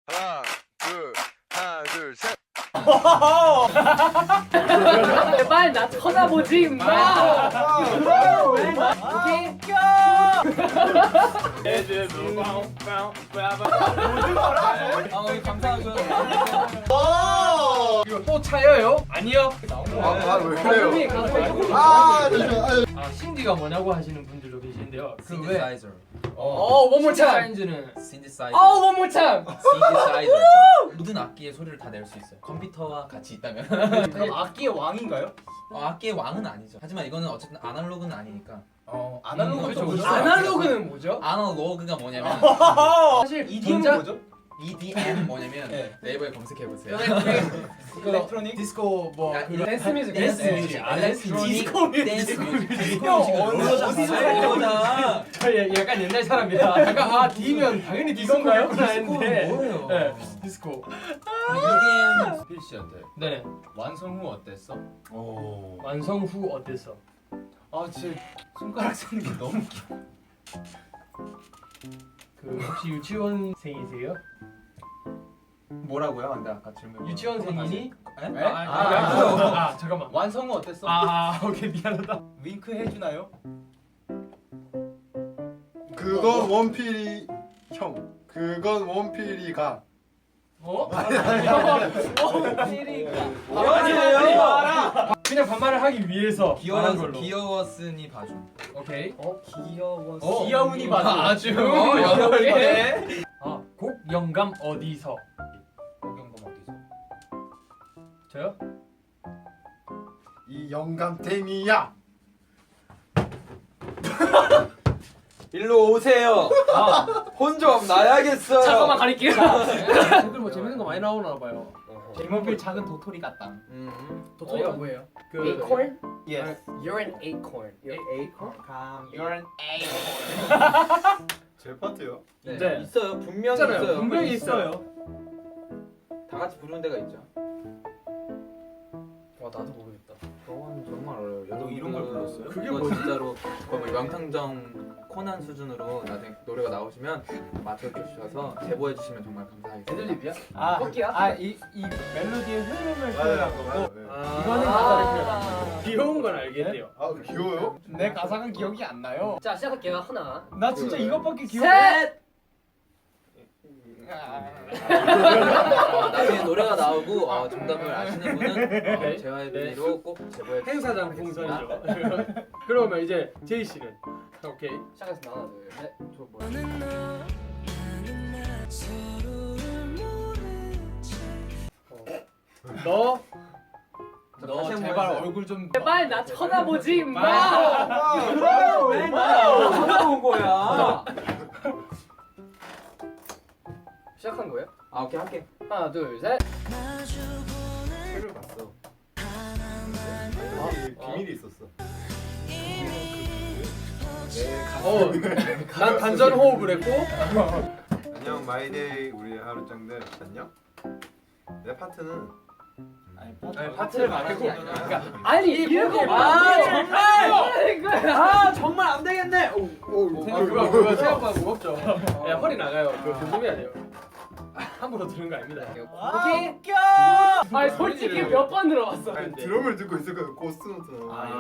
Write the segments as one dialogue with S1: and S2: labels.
S1: 하나, 둘, 셋.
S2: 제발 나 쳐다보지 마. 오케이.
S3: 감사하죠.
S2: 이거 또 차여요? 아니요.
S1: 왜 그래요?
S2: 신디가 뭐냐고 하시는 분들도 계신데요.
S3: 신디사이저.
S2: one more time.
S3: 사이즈는 신디사이저.
S2: one more time.
S3: 신디사이저. 모든 악기의 소리를 다 낼 수 있어요. 컴퓨터와 같이 있다면.
S4: 그럼 악기의 왕인가요?
S3: 악기의 왕은 아니죠. 하지만 이거는 어쨌든 아날로그는 아니니까.
S4: 아날로그가
S3: 그렇죠.
S4: 뭐죠?
S2: 아날로그는 뭐죠?
S3: 아날로그가 뭐냐면
S2: 사실
S4: EDM은
S2: 전자-
S4: 뭐죠?
S3: EDM 뭐냐면
S4: 네.
S3: 네이버에 검색해 보세요.
S4: 일렉트로닉?
S2: 디스코 뭐 댄스 뮤직.
S3: 댄스 뮤직. 댄스 뮤직. 댄스 뮤직.
S2: 저 약간 옛날 사람이다. 약간 D면 당연히 디스코인가요? 했는데.
S3: 뭐예요?
S2: 네, 디스코.
S3: EDM
S4: 필 씨한테
S2: 네.
S4: 완성 후 어땠어?
S2: 완성 후 어땠어?
S4: 진짜 손가락 쓰는 게 너무 웃겨.
S2: 그 혹시 유치원생이세요?
S3: 뭐라고요? 근데 아까 질문.
S2: 유치원생이니?
S3: 에?
S2: 잠깐만.
S4: 완성 후 어땠어?
S2: 오케이 미안하다.
S4: 윙크 해주나요?
S1: 그건 원필이 형. 그건 원필이가.
S2: 그냥 반말을 하기 위해서 말한 걸로.
S3: 귀여웠으니 봐줘.
S2: 오케이.
S4: 귀여우니 봐줘.
S2: 아주
S3: 여덟 개.
S2: 곡 영감 어디서?
S4: 경감 어디서?
S2: 저요?
S1: 이 영감탱이야.
S3: 일로 오세요. 혼 좀 나야겠어요.
S2: 잠깐만 가릴게요. 댓글 뭐 재밌는 거 많이 나오나 봐요.
S4: 제목필 작은 도토리 같다.
S2: 도토리가 뭐예요? 그
S5: Acorn?
S4: Yes.
S5: You're an acorn.
S4: acorn. You're an
S1: 제 파트요.
S2: 네.
S3: 있어요. 분명히
S2: 있잖아요.
S3: 있어요.
S2: 분명히 있어요.
S3: 다 같이 부르는 데가 있죠.
S2: 와 나도 모르겠다.
S3: 그건 정말 어려워요.
S4: 너 이런 걸 불렀어요?
S2: 그게
S3: 이거
S2: 뭐지?
S3: 진짜로 거의 뭐 명탐정 코난 수준으로 나중에 노래가 나오시면 맞춰주셔서 제보해 주시면 정말 감사하겠습니다.
S2: 애들립이야?
S4: 뽑기야? 이 멜로디의 흐름을 표현한 거고
S2: 이거는 가사를 귀여운 건 알겠네요.
S1: 귀여워요?
S4: 내 가사가 기억이 안 나요.
S5: 자 시작할게요. 하나.
S4: 나 진짜 이것밖에 기억.
S5: 셋.
S3: 나중에 노래가 나오고 정답을 아시는 분은 JYP로 꼭 제보해 주시면
S2: 행사장 풍선이죠. 그러면 이제 제이 씨는 오케이.
S5: 시작했습니다. 하나 둘 셋.
S3: 저 뭐야?
S2: 너
S4: 너 제발 얼굴 좀.
S2: 제발 나 쳐다보지 마.
S3: 왜 쳐다본 거야?
S5: 시작한 거예요?
S3: 오케이 할게.
S5: 하나 둘 셋.
S3: 책을 봤어.
S1: 비밀이 있었어.
S2: 난 단전 호흡을 했고.
S1: 안녕 마이데이 우리 하루짱들 안녕. 내 파트는
S4: 아니
S2: 파트를 말하는 게 아니라. 그러니까
S5: 아니 이렇게
S3: 정말 안 되겠네.
S2: 그거 생각보다 무겁죠. 야 허리 나가요. 그거 조심해야 돼요. 함부로 들은 거 아닙니다.
S5: 오케이.
S2: 아니 솔직히 몇 번 들어봤어.
S1: 아니,
S2: 근데.
S1: 드럼을 듣고 있었거든. 고스노트.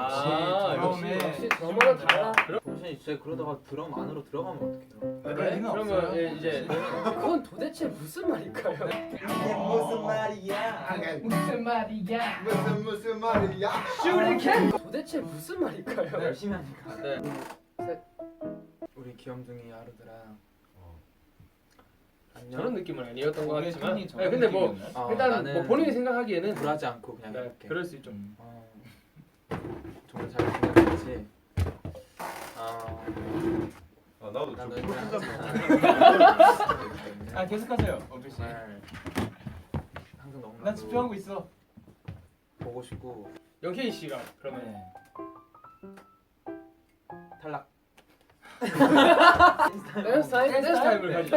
S5: 역시 드러머는 달라.
S3: 당신이 진짜 그러다가 드럼 안으로 들어가면 어떡해요?
S2: 그래? 그러면 이제
S5: 그건 도대체 무슨 말일까요?
S1: 무슨 말이야?
S2: 무슨 말이야?
S1: 무슨 말이야?
S5: 슈리켄. 도대체 무슨 말일까요?
S3: 열심히 하니까.
S2: 네.
S3: 우리 귀염둥이 하루들아. 안녕.
S2: 저런 느낌은 아니었던 것
S4: 우리
S2: 같지만.
S4: 톤이 저런
S2: 근데 뭐
S4: 느낌이었나요?
S2: 일단
S3: 나는
S2: 뭐 본인이 생각하기에는
S3: 굴하지 않고 그냥
S2: 네,
S3: 이렇게.
S2: 그럴 수 있죠.
S3: 정말 잘 생각했지.
S1: 나도
S3: 난
S1: 좀
S3: 너희들
S4: 계속하세요. 어필 씨.
S3: 정말 항상 너무
S4: 난 집중하고 있어.
S3: 보고 싶고
S2: 영케이 씨가 그러면
S4: 네.
S3: 탈락.
S5: 댄스 타임.
S2: 댄스 타임을 가지고.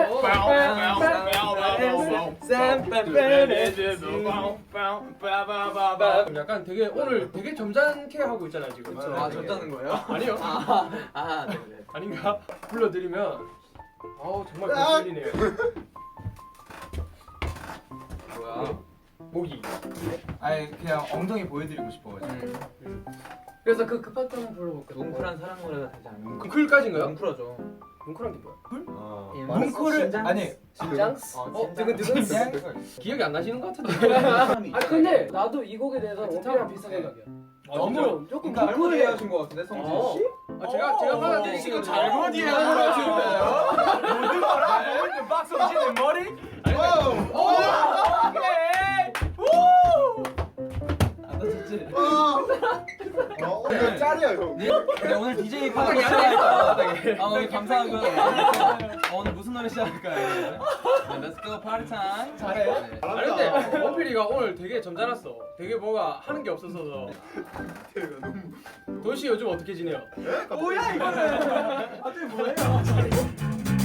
S2: 약간 되게 오늘 되게 점잖게 하고 있잖아요 지금.
S3: 졌다는 거예요?
S2: 아니요.
S3: 네네.
S2: 아닌가? 불러드리면 정말 거슬리네요. 목이.
S4: 아니 그냥 엉덩이 보여드리고 싶어가지고.
S5: 그래서 그 급한 거 한번 불러볼까?
S3: 뭉클한 사랑 노래가 되지 않을까?
S2: 뭉클까지인가요?
S3: 뭉클하죠.
S5: 뭉클한 게 뭐야?
S1: 아.
S4: 뭉클을 아니
S5: 진장스?
S3: 두근두근.
S2: 기억이 안 나시는 것 같은데.
S5: 아 근데 나도 이 곡에 대해서 오피랑 비슷한 생각이야. 너무 조금
S3: 잘못
S5: 뭉클해.
S3: 이해하신 것 같은데 성진 씨?
S2: 제가 받아들인
S4: 지금
S2: 거는
S4: 잘못 이해하는 것 같은데요? 모든 거라 모든 박성진의 머리? 안 다쳤지?
S1: 이거 짤이야 형.
S4: 네, 오늘 DJ
S2: 바닥에
S4: 파트
S2: 앉아있어.
S4: 아 오늘 감사하고요. 오늘 무슨 노래 시작할까요? Let's go party time.
S5: 잘해.
S2: 아니 근데 원필이가 오늘 되게 점잖았어. 되게 뭐가 하는 게 없어서. 도시 요즘 어떻게 지내요?
S4: 뭐야 이거는? 갑자기 뭐예요?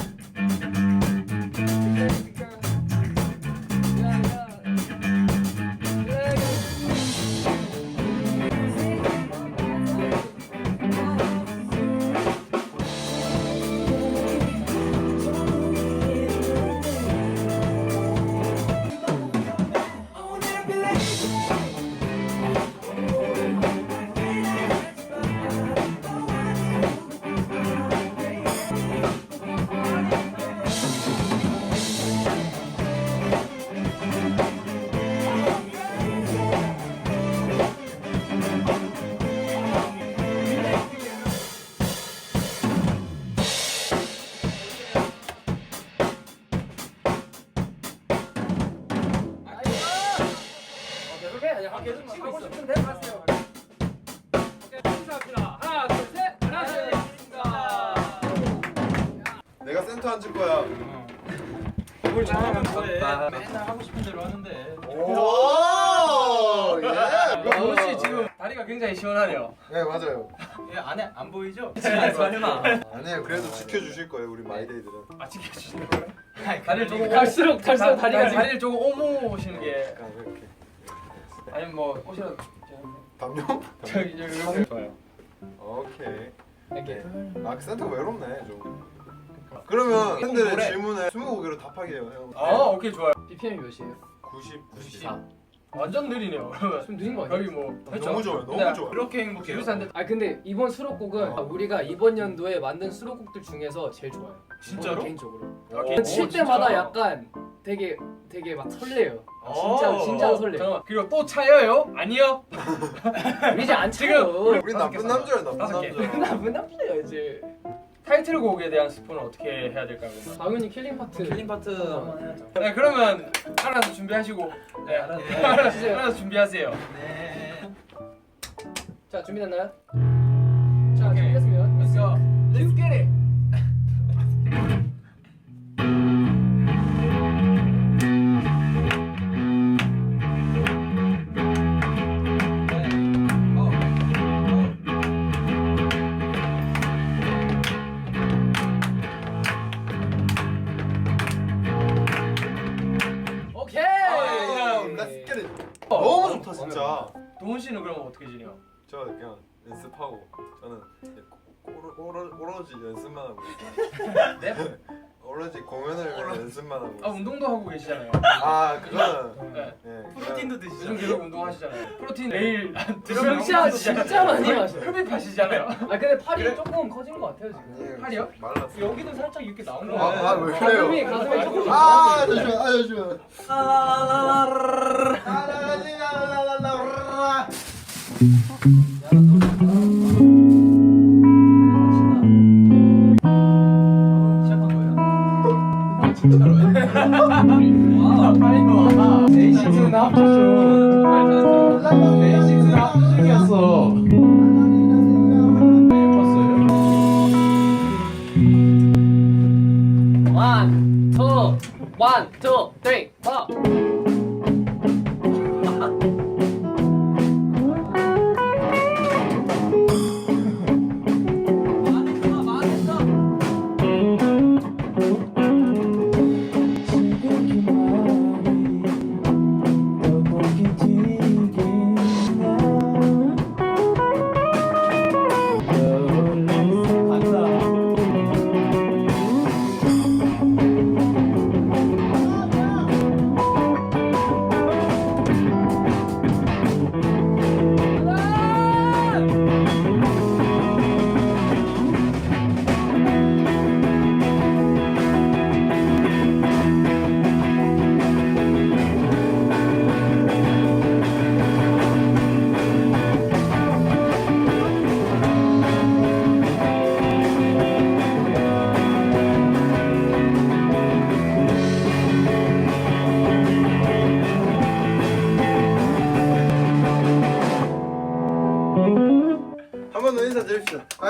S2: 계속 치고 하고 싶은데 하세요. 오케이, 인사합니다. 하나, 둘, 셋. 안녕하십니까.
S1: 내가 센터 앉을 거야.
S2: 뭘 잘하면 뭐해?
S4: 맨날 하고 싶은 대로 하는데.
S1: 오, 예.
S2: 도씨 지금 다리가 굉장히 시원하네요.
S1: 네 맞아요.
S4: 얘 안에 안 보이죠?
S3: 설마.
S1: 아니에요. 그래도 지켜주실 거예요 우리 마이데이들은.
S2: 아 지켜주시는 거예요?
S4: 다리를
S2: 조금
S5: 갈수록 다리가
S2: 다리를 조금 오모시는 게
S1: 약간 이렇게.
S2: 아니면 뭐 옷이라도
S1: 담요?
S2: 저기 이렇게 좋아요.
S1: 오케이.
S5: 이렇게.
S1: 아 센터가 외롭네 좀. 그러면
S2: 노래.
S1: 팬들의 질문에 20곡으로 답하게 해요 형.
S2: 오케이 좋아요.
S5: BPM이 몇이에요?
S1: 94.
S2: 완전 느리네요. 그러면
S5: 좀 느린 거 아니야?
S2: 여기 뭐
S1: 너무 좋아요. 너무
S2: 근데
S1: 좋아요.
S4: 그렇게 행복해요.
S2: 비슷한데
S5: 아 근데 이번 수록곡은 우리가 이번 연도에 만든 수록곡들 중에서 제일 좋아요.
S4: 진짜로?
S5: 개인적으로.
S2: 오,
S5: 칠
S2: 진짜?
S5: 때마다 약간 되게 막 설레요. 진짜 설레.
S2: 잠깐만 그리고 또 차여요? 아니요.
S5: 우리 이제 안
S2: 지금
S5: 차요.
S1: 우리 나쁜 남자야 나쁜
S2: 다섯 개.
S1: 남자.
S5: 나쁜 남자야 이제.
S2: 타이틀곡에 대한 스포는 어떻게 해야 될까요? 그러면?
S5: 당연히 킬링 파트.
S3: 킬링 파트 한번 해야죠.
S2: 네 그러면 알아서 준비하시고 네 알아서 준비하세요.
S4: 네.
S5: 자 준비됐나요? 자 준비됐으면
S2: Let's go. Let's get it.
S5: 오케이.
S1: Let's get it. 너무 좋다 진짜.
S2: 도훈 씨는 그럼 어떻게 지내요?
S1: 저 그냥 연습하고 저는 이제 오로지 연습만 하고 있어요.
S2: 네?
S1: 오로지 공연을 위한 연습만 하고
S2: 아
S1: 있어요.
S2: 운동도 하고 계시잖아요.
S1: 아 그거는
S2: 네.
S1: 예.
S4: 프로틴도
S2: 요즘
S4: 드시죠?
S2: 계속 운동하시잖아요. 프로틴 매일
S5: 진짜 많이 마셔.
S2: 흡입하시잖아요.
S5: 아 근데 팔이 조금 커진 것 같아요 지금.
S1: 아니에요.
S2: 팔이요?
S1: 말랐어.
S2: 여기도 살짝 이렇게 나온 거
S1: 왜 그래요?
S5: 가슴이 조금.
S1: 아 잠시만.
S4: 네이식스는 합쳐줘. 네이식스는 합쳐중이었어.
S5: One, two, three, four.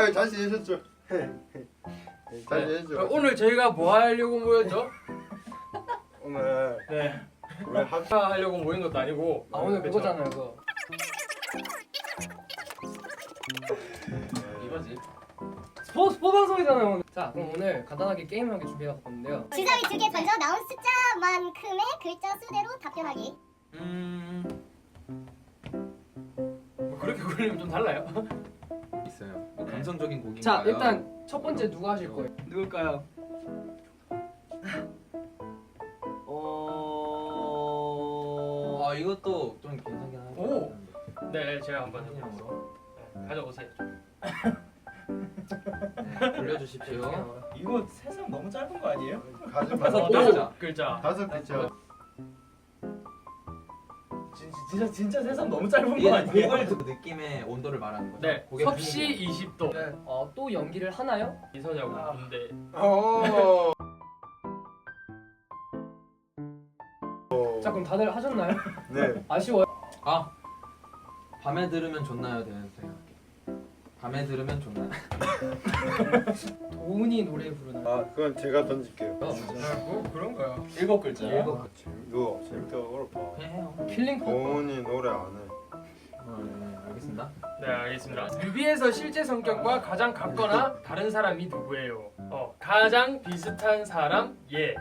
S6: 잘 지내셨죠? 잘 지내셨죠?
S2: 그럼 오늘 저희가 뭐 하려고 모였죠?
S6: 오늘
S2: 네.
S6: 우리
S2: 하려고 모인 것도 아니고
S5: 아 오늘
S2: 그쵸?
S5: 그거잖아요 그거.
S4: 이거지.
S5: 스포 방송이잖아요 오늘. 자 그럼 오늘 간단하게 게임을 하게 준비해봤는데요.
S7: 주사위 2개 던져 나온 숫자만큼의 글자 수대로 답변하기.
S2: 뭐 그렇게 굴리면 좀 달라요.
S3: 있어요. 뭐 감성적인 곡인가요?
S5: 자 일단 첫 번째 누가 하실 거예요?
S2: 누굴까요?
S3: 아 이것도 좀 괜찮긴 하죠.
S2: 오! 네, 제가 한번 해보겠습니다. 네, 가져오세요.
S3: 네, 돌려주십시오.
S4: 이거 세상 너무 짧은 거 아니에요?
S6: 가지 마.
S3: 다섯
S2: 오!
S3: 글자.
S2: 글자.
S6: 5글자.
S4: 진짜 세상 너무 짧은 거
S3: 이게
S4: 아니에요?
S3: 곡을 듣고 느낌의 온도를 말하는 거죠.
S2: 네,
S3: 곡의
S2: 섭씨
S3: 분위기.
S2: 20도. 네.
S5: 또 연기를 하나요?
S2: 이선야고
S4: 아.
S2: 근데
S6: 어.
S5: 자 그럼 다들 하셨나요?
S6: 네.
S5: 아쉬워요?
S3: 아 밤에 들으면 좋나요? 되는 생각할게. 밤에 들으면 좋나요?
S5: 도훈이 노래 부르나요?
S6: 아 그건 제가 던질게요.
S2: 뭐 그런 거야.
S4: 7글자.
S6: 이거 재밌게 어렵다.
S3: 그냥 해요.
S5: 킬링 포.
S6: 도훈이 노래 안 해.
S3: 네, 알겠습니다.
S2: 네, 알겠습니다. 뮤비에서 실제 성격과 가장 같거나 다른 사람이 누구예요? 가장 비슷한 사람 예.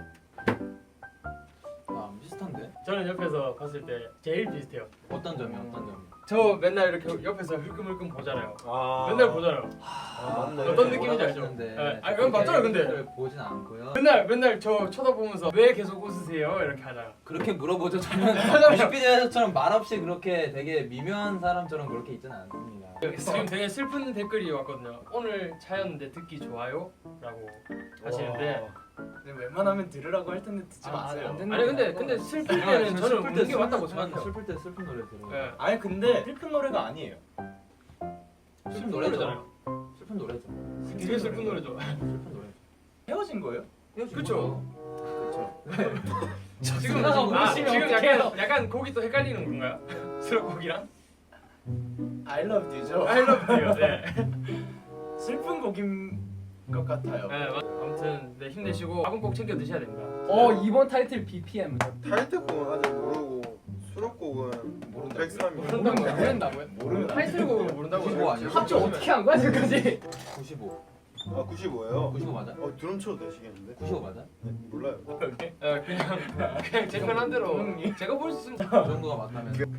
S3: 아 비슷한데?
S2: 저는 옆에서 봤을 때 제일 비슷해요.
S3: 어떤 점이 어떤 점이?
S2: 저 맨날 이렇게 옆에서 흘끔흘끔 보잖아요.
S6: 아.
S2: 맨날 보잖아요.
S6: 아 맞네.
S2: 어떤 느낌인지 알죠?
S3: 보시는데
S2: 네. 아, 그건 맞잖아요, 근데.
S3: 캐릭터를 보진 않고요.
S2: 맨날 저 쳐다보면서 왜 계속 웃으세요? 이렇게 하잖아.
S3: 그렇게 물어보죠. 저는 뮤직비디오에서처럼 말없이 그렇게 되게 미묘한 사람처럼 그렇게 있지는 않습니다.
S2: 지금 되게 슬픈 댓글이 왔거든요. 오늘 차였는데 듣기 좋아요? 라고 하시는데
S4: 웬만하면 들으라고 할 텐데 듣지
S5: 아,
S4: 마세요.
S5: 안 듣는
S2: 아니 근데 슬플 때는 저는 웃는 게 맞다고 생각해요.
S3: 슬플 때 슬픈 노래 들어요.
S2: 네.
S4: 아니 근데 슬픈 노래가 아니에요.
S3: 슬픈
S2: 노래잖아요.
S3: 슬픈 노래죠.
S2: 되게 슬픈 노래죠.
S3: 슬픈 노래.
S4: 헤어진 거예요?
S2: 그쵸.
S3: 그렇죠.
S2: 지금
S5: 누나가 모르시면
S2: 지금
S5: 어떡해요?
S2: 약간 곡이 또 헷갈리는 건가요? 수록곡이랑?
S4: I love you죠.
S2: I love you. 네.
S4: 슬픈 곡인 것 같아요.
S2: 네, 아무튼 네, 힘내시고 밥은 꼭 챙겨 드셔야 됩니다.
S5: 이번 타이틀 BPM.
S6: 타이틀곡은 아직 모르고 수록곡은
S4: 모른다고요?
S6: 103이.
S5: 모른다고요?
S4: 모르면
S2: 타이틀곡을 모른다고
S3: 95 아니에요?
S5: 합주 어떻게 한 거야 지금까지?
S3: 95.
S6: 아 95예요?
S3: 95 맞아?
S6: 드럼 쳐도 되시겠는데?
S3: 95 맞아?
S6: 네, 몰라요.
S2: 그냥 제 편한 대로 제가 볼 수 있으면
S3: 그 정도가 맞다면 90.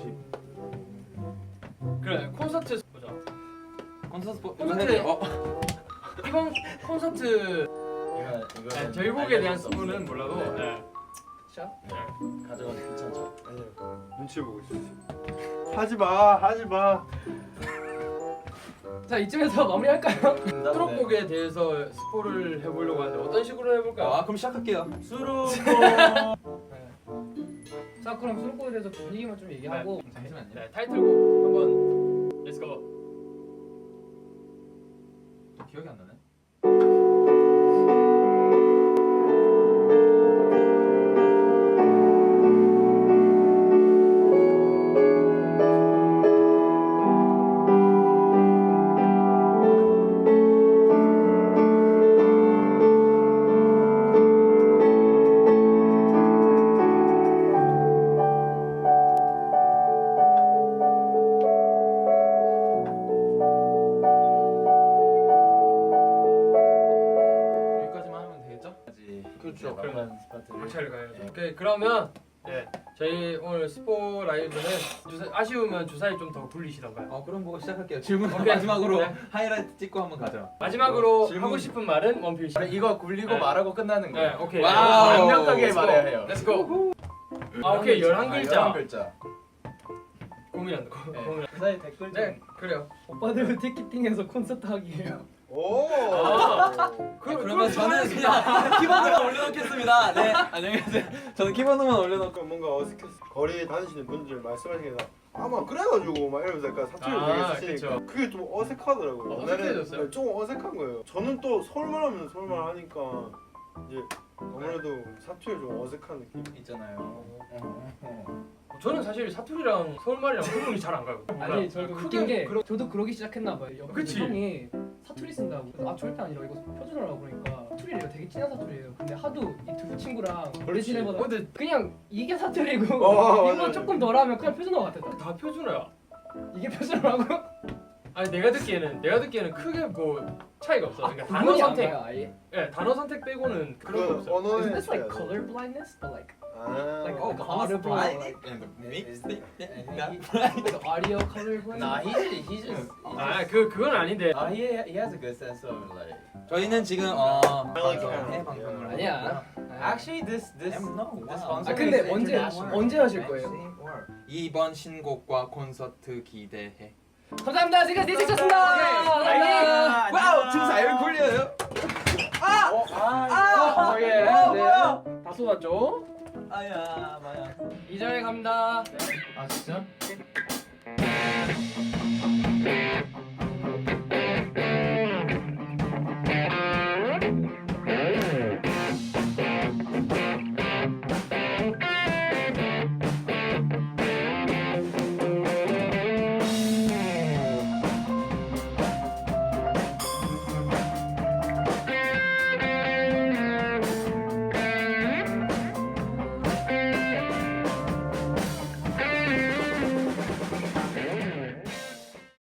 S2: 그래 콘서트 보자.
S3: 콘서트
S2: 콘서트에-
S3: 어?
S2: 이번 콘서트
S4: 이거
S2: 네, 저희 곡에 대한 스포는 몰라도 네.
S4: 가져가도 괜찮죠?
S6: 아니요. 눈치 보고 있었어요. 하지마.
S5: 자 이쯤에서 마무리할까요?
S2: 수록곡에 대해서 스포를 해보려고 하는데 어떤 식으로 해볼까요?
S3: 아 그럼 시작할게요.
S4: 수록곡.
S5: 자 그럼 수록곡에 대해서 분위기만 좀 얘기하고.
S3: 잠시만요.
S2: 네, 타이틀곡 한번 Let's go.
S3: 또 기억이 안 나네. 여기까지만 하면 되겠죠?
S2: 그렇죠.
S4: 네,
S2: 그러면
S4: 스파트.
S2: 막차를 가야죠. 오케이 그러면 네 저희 오늘 스포 라이브는 아쉬우면 주사위 좀 더 굴리시던가요?
S3: 그럼 보고 시작할게요. 질문
S2: 오케이.
S3: 마지막으로
S2: 네.
S3: 하이라이트 찍고 한번 가죠.
S2: 마지막으로
S3: 질문.
S2: 하고 싶은 말은 원필 씨.
S4: 이거 굴리고
S2: 네.
S4: 말하고 끝나는
S2: 네,
S4: 거예요.
S2: 오케이.
S3: 와우.
S4: 완벽하게
S2: Let's go.
S4: 말해야 해요.
S2: Let's go. 아 오케이 11글자.
S4: 11글자.
S2: 고민한다.
S4: 네.
S2: 고민.
S4: 그 사이 댓글 좀.
S2: 네 그래요.
S5: 오빠들 티켓팅해서 콘서트 하기예요.
S6: 오.
S3: 그러면 저는 그냥 키보드만 올려놓겠습니다. 네 안녕히 계세요. 저는 키보드만 올려놓고.
S6: 뭔가 어색했어. 거리에 다니시는 분들 말씀하시는 게 아마 그래가지고 막 이러면서 약간 사투리를 되게 쓰시니까
S2: 그쵸.
S6: 그게 좀 어색하더라고요.
S2: 어색해졌어요?
S6: 네, 좀 어색한 거예요. 저는 또 서울말 하면 서울말 하니까 이제 아무래도 사투리 좀 어색한 느낌.
S4: 있잖아요.
S2: 저는 사실 사투리랑 서울말이랑 구분이 잘 안 가요.
S5: 아니 저도
S2: 크게
S5: 웃긴 게 저도 그러기 시작했나 봐요. 옆에
S2: 그치?
S5: 형이 사투리 쓴다고. 그래서 아 절대 아니라 이거 표준어라고 그러니까 사투리래요. 되게 진한 사투리예요. 근데 하도 이 두 친구랑 오래 지내보다
S2: 근데
S5: 그냥 이게 사투리고
S6: 맞아,
S5: 이거
S6: 맞아.
S5: 조금 덜하면 그냥 표준어 같았다.
S2: 다 표준어야.
S5: 이게 표준어라고?
S2: 아니 내가 듣기에는 크게 뭐 차이가 없어. 그러니까 단어
S5: 구분이 안
S2: 선택,
S5: 가요, 아예.
S2: 예, 단어 선택 빼고는 그런 거
S6: 그
S2: 없어.
S6: 언어의
S5: Isn't this like
S6: 차이야.
S5: color blindness? But like
S6: 아.
S5: like
S3: Oh,
S5: audible, like,
S3: and mixed it.
S5: like audio color blindness?
S4: Nah, he just.
S2: 아, 그건 아닌데.
S4: He has a good sense of like.
S3: 저희는 지금
S6: like
S3: 해
S6: it.
S3: 방송을
S5: 아니야.
S4: Actually, this
S3: no.
S4: this
S3: Wow.
S4: sponsor
S5: 아 근데
S4: is
S5: 언제
S4: international.
S5: 언제 하실 거예요?
S3: 이번 신곡과 콘서트 기대해.
S5: 감사합니다. 지금까지 디스였습니다.
S3: 와우, 진사를 굴려요.
S5: 예. 네. 다 쏟았죠?
S4: 아야, 마야.
S5: 이 자리에 갑니다.
S4: 아 진짜?